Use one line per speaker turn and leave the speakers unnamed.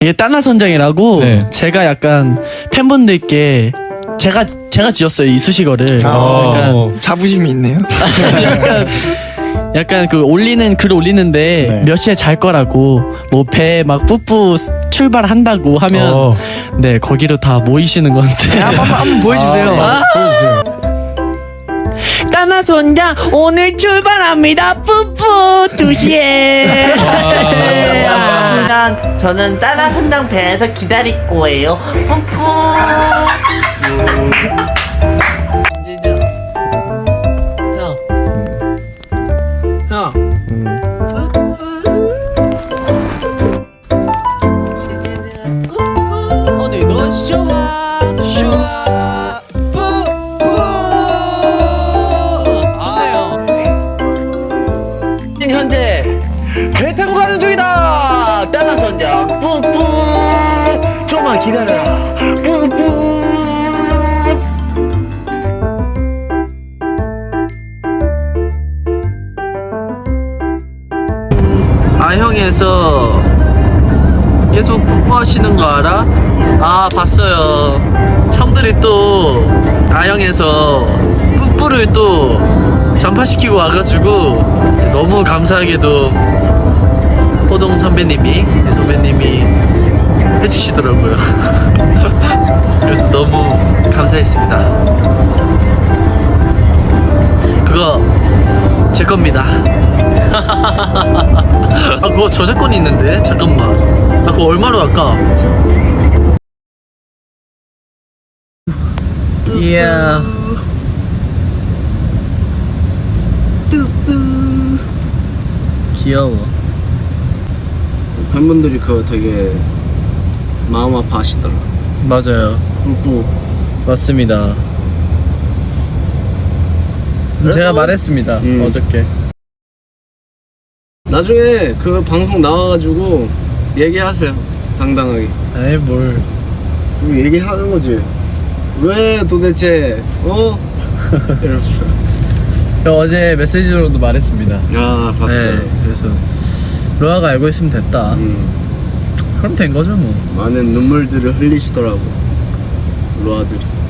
이게 따나선장이라고
네.
제가 약간 팬분들께 제가 지었어요 이 수식어를.
자부심이 있네요.
약간 그 올리는 글 올리는데
네.
몇 시에 잘 거라고 뭐 배 막 뿌뿌 출발한다고 하면 네 거기로 다 모이시는 건데.
한번 보여주세요.
보여주세요.
따나선장 오늘 출발합니다 뿌뿌 2시에.
저는 따라선장 배에서 기다릴 거예요. 푸푸.
오늘도 쇼와 뿌뿌. 좋네요.
현재 배 타고 가는 중이다. 따라선장 뿌뿌. 좀만 기다려라. 뿌뿌.
아형에서 계속 뽀뽀하시는 거 알아? 아 봤어요. 형들이 또 아형에서 뽀뽀를 또 전파시키고 와가지고 너무 감사하게도 호동 선배님이 해주시더라고요. 그래서 너무 감사했습니다. 그거 제 겁니다. 아 그거 저작권이 있는데 잠깐만. 아 그거 얼마로 할까? 이야. 귀여워.
팬분들이 그거 되게 마음 아파하시더라.
맞아요.
뿌뿌.
맞습니다. 제가 말했습니다. 어저께.
나중에 그 방송 나와가지고 얘기하세요. 당당하게.
에이 뭘.
그럼 얘기하는 거지. 왜 도대체 이러면서.
저 어제 메시지로도 말했습니다.
아 봤어요.
네, 그래서 로아가 알고 있으면 됐다. 그럼 된 거죠 뭐.
많은 눈물들을 흘리시더라고 로아들이.